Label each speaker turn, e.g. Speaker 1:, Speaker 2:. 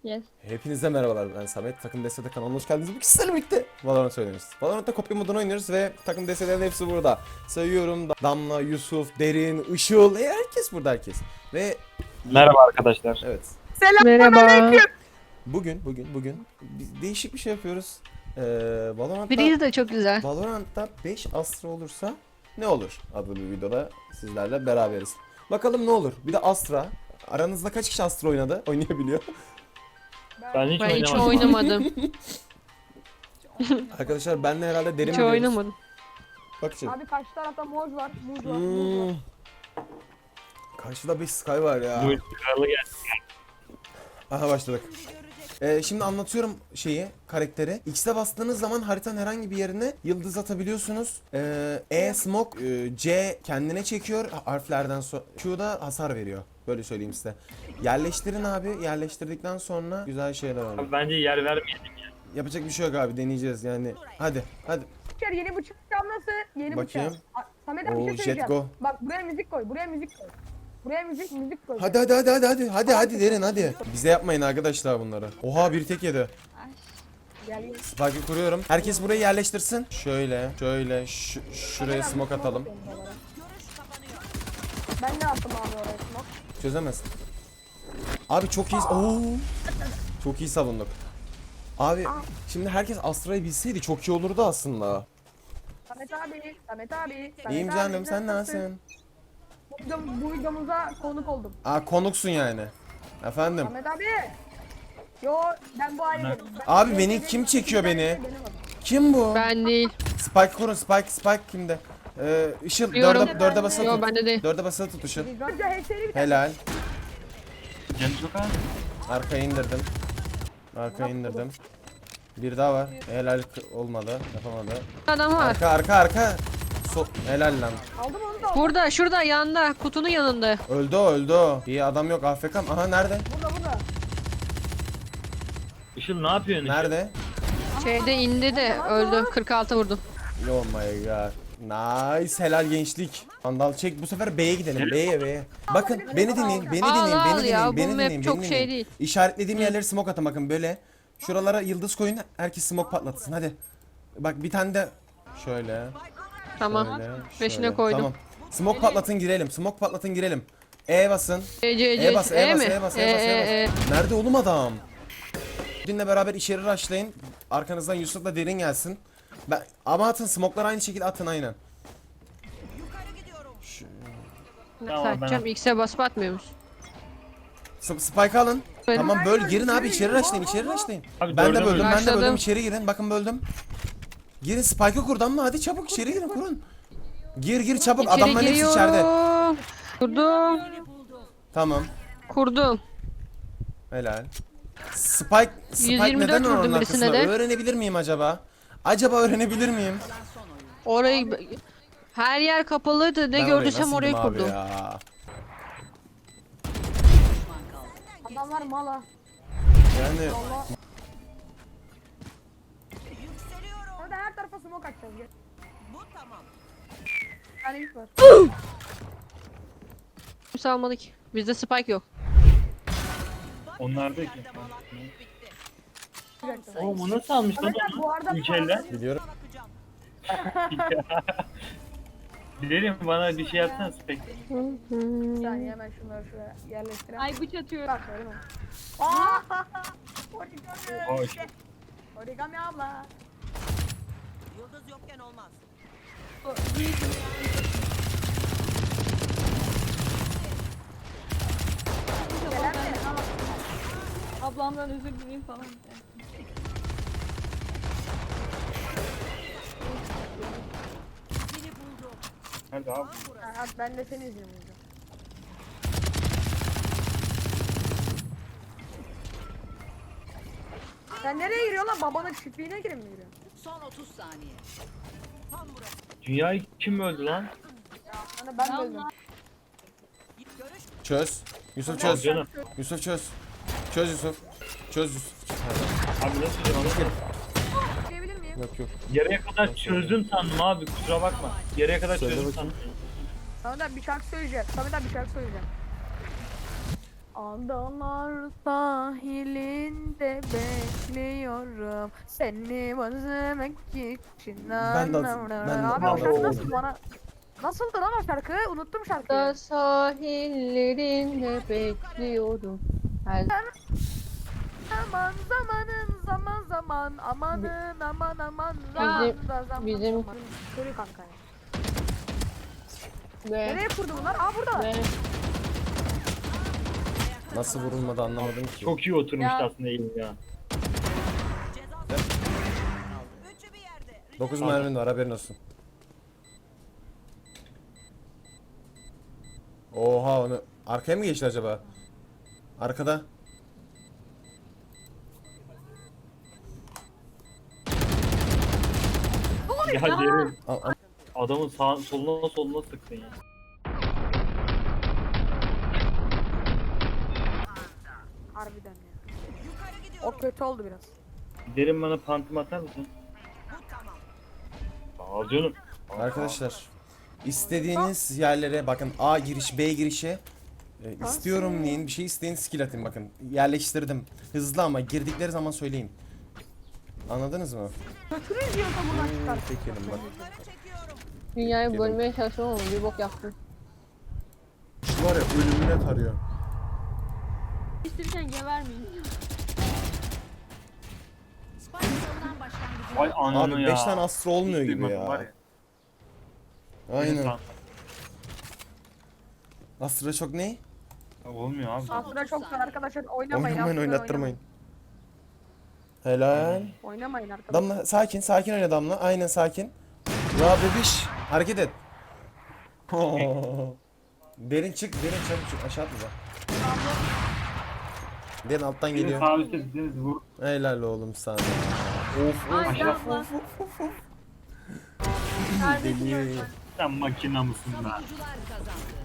Speaker 1: Yes.
Speaker 2: Hepinize merhabalar, ben Samet. Takım DS'de kanalına hoş geldiniz. Bugün sizlerle birlikte Valorant oynuyoruz. Valorant'ta kopya modunu oynuyoruz ve takım DS'lerin hepsi burada. Sayıyorum: Damla, Yusuf, Derin, Işıl, herkes burada, herkes. Ve
Speaker 3: Merhaba arkadaşlar.
Speaker 2: evet,
Speaker 1: Merhaba.
Speaker 2: bugün biz değişik bir şey yapıyoruz. Valorant'ta,
Speaker 1: Biriz de çok güzel.
Speaker 2: Valorant'ta 5 Astra olursa ne olur adlı bir videoda sizlerle beraberiz. Bakalım ne olur. Bir de Astra. Aranızda kaç kişi Astra oynayabiliyor?
Speaker 3: Ben hiç
Speaker 1: Ben hiç
Speaker 3: oynamadım.
Speaker 1: oynamadım.
Speaker 2: Arkadaşlar benle herhalde Derin
Speaker 1: Hiç
Speaker 2: biliyoruz.
Speaker 1: oynamadım.
Speaker 2: Bak şimdi.
Speaker 4: Abi karşı tarafta moj var, muz var, muz var.
Speaker 2: Karşıda bir Sky var ya.
Speaker 3: Bu kralı geldi.
Speaker 2: Aha başladık. Şimdi anlatıyorum karakteri. X'e bastığınız zaman haritanın herhangi bir yerine yıldız atabiliyorsunuz. Smoke, C kendine çekiyor harflerden sonra. Q'da hasar veriyor. Böyle söyleyeyim size. Yerleştirin abi. Yerleştirdikten sonra güzel şeyler var.
Speaker 3: Abi bence yer vermeyelim ya.
Speaker 2: Yapacak bir şey yok abi. Deneyeceğiz yani. Hadi.
Speaker 4: Bıçak, yeni bıçağım nasıl? Yeni
Speaker 2: Bakayım.
Speaker 4: bıçak. Samet abi bir
Speaker 2: Oo,
Speaker 4: şey
Speaker 2: Jet
Speaker 4: söyleyeceğim.
Speaker 2: Go.
Speaker 4: Bak buraya müzik koy, buraya müzik koy. Buraya müzik koy.
Speaker 2: Hadi Derin hadi. Bize yapmayın arkadaşlar bunları. Oha bir tek yedi.
Speaker 4: Gel.
Speaker 2: Spike'ı kuruyorum. Herkes burayı yerleştirsin. Şöyle, şuraya smoke atalım.
Speaker 4: Ben ne attım abi oraya smoke?
Speaker 2: Çözemez. Abi çok iyi. Oo. Çok iyi savunduk. Abi şimdi herkes Astra'yı bilseydi çok iyi olurdu aslında.
Speaker 4: Samet abi, Samet abi.
Speaker 2: İyiyim
Speaker 4: abi,
Speaker 2: canım, sen nasılsın?
Speaker 4: Bu videomuza konuk oldum.
Speaker 2: Aa, konuksun yani. Efendim.
Speaker 4: Samet abi. Yo, ben bu ailedenim.
Speaker 2: Abi beni kim çekiyor beni? Kim bu?
Speaker 1: Ben değil.
Speaker 2: Spike kurun, Spike kimde? Işıl
Speaker 1: Biliyorum.
Speaker 2: dörde basılı
Speaker 1: Yo
Speaker 2: tut.
Speaker 1: bende değil.
Speaker 2: Dörde basılı tut Işıl.
Speaker 4: Önce HS'li bir tane.
Speaker 2: Helal.
Speaker 3: Canı çok az.
Speaker 2: Arkaya indirdim. Arkaya indirdim. Bir daha var. Helal olmadı. Yapamadı.
Speaker 1: Adam var.
Speaker 2: Arka. Helal lan.
Speaker 4: Aldım onu da.
Speaker 1: Burada, şurada, yanında, kutunun yanında.
Speaker 2: Öldü o. İyi adam yok, AFK. Aha nerede?
Speaker 4: Burada.
Speaker 3: Işıl ne yapıyorsun? Işıl?
Speaker 2: Nerede?
Speaker 1: Şeyde indi de öldü. 46 vurdum.
Speaker 2: Oh my god. Nice, helal gençlik. Vandal çek, bu sefer B'ye gidelim. B'ye. Bakın beni dinleyin, beni
Speaker 1: Al,
Speaker 2: dinleyin,
Speaker 1: al
Speaker 2: beni
Speaker 1: ya,
Speaker 2: dinleyin,
Speaker 1: bu
Speaker 2: beni
Speaker 1: map
Speaker 2: dinleyin,
Speaker 1: çok
Speaker 2: beni
Speaker 1: şey
Speaker 2: dinleyin.
Speaker 1: değil.
Speaker 2: İşaretlediğim yerleri smoke atın bakın böyle. Şuralara yıldız koyun, herkes smoke patlatsın hadi. Bak bir tane de şöyle.
Speaker 1: Tamam.
Speaker 2: Şöyle,
Speaker 1: Peşine
Speaker 2: şöyle.
Speaker 1: koydum.
Speaker 2: Tamam. Smoke patlatın girelim. Smoke patlatın girelim. E basın.
Speaker 1: C,
Speaker 2: bas,
Speaker 1: E mi?
Speaker 2: E bas. Nerede oğlum adam? Dinle beraber içeri rushlayın. Arkanızdan Yusuf'la Derin gelsin. Ama atın, smoke'lar aynı şekilde atın aynen.
Speaker 1: Nasıl
Speaker 3: Tamam, ben
Speaker 1: atacağım? X'e basıp atmıyor musun?
Speaker 2: Spike alın.
Speaker 1: Evet.
Speaker 2: Tamam böl, girin abi, içeri rushlayın.
Speaker 3: Abi
Speaker 2: Ben de
Speaker 3: dörde
Speaker 2: böldüm,
Speaker 1: Başladım.
Speaker 2: içeri girin. Bakın böldüm. Girin, Spike'ı kurdum mı? Hadi çabuk içeri girin, kurun. Gir çabuk,
Speaker 1: İçeri
Speaker 2: adamların hepsi içeride.
Speaker 1: giriyorum. Kurdum.
Speaker 2: Tamam.
Speaker 1: Kurdum.
Speaker 2: Helal. Spike
Speaker 1: 124
Speaker 2: neden
Speaker 1: vurdum
Speaker 2: onun
Speaker 1: birisine
Speaker 2: arkasında?
Speaker 1: de.
Speaker 2: Öğrenebilir miyim acaba? Öğrenebilir miyim?
Speaker 1: Orayı... Her yer kapalıydı. Ne
Speaker 2: Ben orayı
Speaker 1: gördüysem
Speaker 2: nasıl
Speaker 1: oraya
Speaker 2: yedim abi
Speaker 1: kurdum.
Speaker 2: ya?
Speaker 4: Adamlar mala.
Speaker 2: Yani
Speaker 4: Orada her tarafa smoke atacağız. Gel. Bu tamam. Yani ilk var.
Speaker 1: Kimse almadı ki. Bizde spike yok.
Speaker 3: Onlarda ki.
Speaker 4: Bir dakika.
Speaker 3: Oğlum o nasıl almış lan
Speaker 4: Samet abi bu
Speaker 3: onu?
Speaker 4: arada
Speaker 3: Ülkeyle.
Speaker 2: biliyorum.
Speaker 3: Dilerim bana bir şey yapsana Spek.
Speaker 4: Bir saniye hemen şunları şuraya yerleştirelim.
Speaker 1: Ay bıç atıyor.
Speaker 4: Bak söyleme. Aaa! Origami.
Speaker 3: Hoş.
Speaker 4: Origami abla.
Speaker 5: Yıldız yokken olmaz.
Speaker 4: Gelen mi?
Speaker 1: Ablamdan özür dileyim falan.
Speaker 3: Hadi abi.
Speaker 4: Ha, ben de seni izliyorum. Sen nereye giriyorsun lan? Babanın çiftliğine girin mi giriyorsun?
Speaker 5: Son 30 saniye. Tam burası.
Speaker 3: Dünyayı kim öldü lan?
Speaker 4: Hani ben böldüm.
Speaker 5: Görüş
Speaker 2: Çöz. Yusuf
Speaker 3: Al
Speaker 2: çöz.
Speaker 3: canım.
Speaker 2: Yusuf çöz. Çöz Yusuf. Çöz Yusuf.
Speaker 3: Abi nasıl canım?
Speaker 4: Diyebilir miyim?
Speaker 2: Yok.
Speaker 3: Yarıya kadar çözdüm sandım abi, kusura bakma. Yarıya kadar
Speaker 2: Söyle
Speaker 3: çözdüm
Speaker 2: bakayım.
Speaker 3: sandım.
Speaker 4: Samet abi bir şarkı söyleyeceğim. Samet abi bir şarkı söyleyeceğim. Adalar sahilinde bekliyorum seni özlemek için.
Speaker 2: Ben de-
Speaker 4: Abi o şarkı
Speaker 3: Oo.
Speaker 4: nasıl bana? Nasıldı lan o şarkı? Unuttum
Speaker 1: Da
Speaker 4: şarkıyı.
Speaker 1: sahillerinde bekliyorum. Her
Speaker 4: Aman zamanın zaman zaman amanın aman aman zaman
Speaker 1: bizim-
Speaker 4: zaman. Körü kanka ya.
Speaker 1: ve
Speaker 4: Nereye kurdu bunlar? Aa burada.
Speaker 1: ve
Speaker 2: Nasıl vurulmadı anlamadım ki.
Speaker 3: Çok iyi oturmuştu
Speaker 4: Ya.
Speaker 3: aslında elim ya.
Speaker 5: Ceza Üçü bir yerde.
Speaker 2: 9 mermin var haberin olsun. Oha onu arkaya mı geçti acaba? Arkada.
Speaker 3: Ya derin.
Speaker 2: A-
Speaker 3: Adamın sağ, soluna sıktın ya.
Speaker 4: Harbiden ya.
Speaker 5: Yukarı gidiyorum.
Speaker 4: O kötü oldu biraz.
Speaker 3: Derin bana pantim atar mısın?
Speaker 5: Bu tamam.
Speaker 3: Al canım.
Speaker 2: Arkadaşlar istediğiniz yerlere bakın A giriş B girişi istiyorum deyin bir şey isteyin skill atın bakın yerleştirdim hızlı ama girdikleri zaman söyleyin anladınız mı?
Speaker 4: Kötü diyorsa buradan çıkar.
Speaker 2: Çekelim bak
Speaker 5: Bunları çekiyorum.
Speaker 1: dünyayı
Speaker 2: Gelin.
Speaker 1: bölmeye çalışıyorum ama bir bok yaptım.
Speaker 2: şu var ya ölümüne tarıyor.
Speaker 1: İstirken gebermeyin.
Speaker 5: Spike savunan başlangıcı.
Speaker 3: Vay ananı
Speaker 2: Abi
Speaker 3: ya.
Speaker 2: 5 tane astro olmuyor
Speaker 3: Hiç
Speaker 2: gibi
Speaker 3: duymadım var
Speaker 2: ya. Aynen. Astro çok ne?
Speaker 3: Olmuyor abi.
Speaker 4: Aslında çok zor arkadaşlar oynamayın.
Speaker 2: Oynamayın
Speaker 4: Astra
Speaker 2: oynattırmayın. Helal.
Speaker 4: Oynamayın arkadaşlar.
Speaker 2: Damla sakin sakin oyna Damla aynen sakin. Ya bebiş hareket et. Derin çık derin çabuk çık aşağı atla. Derin alttan
Speaker 3: Benim
Speaker 2: geliyor.
Speaker 3: sağ üstte deniz vur.
Speaker 2: Helal oğlum sana. Of of
Speaker 3: Aşağı.
Speaker 2: deli.
Speaker 3: Sen makina mısın be?
Speaker 5: Savunucular kazandı.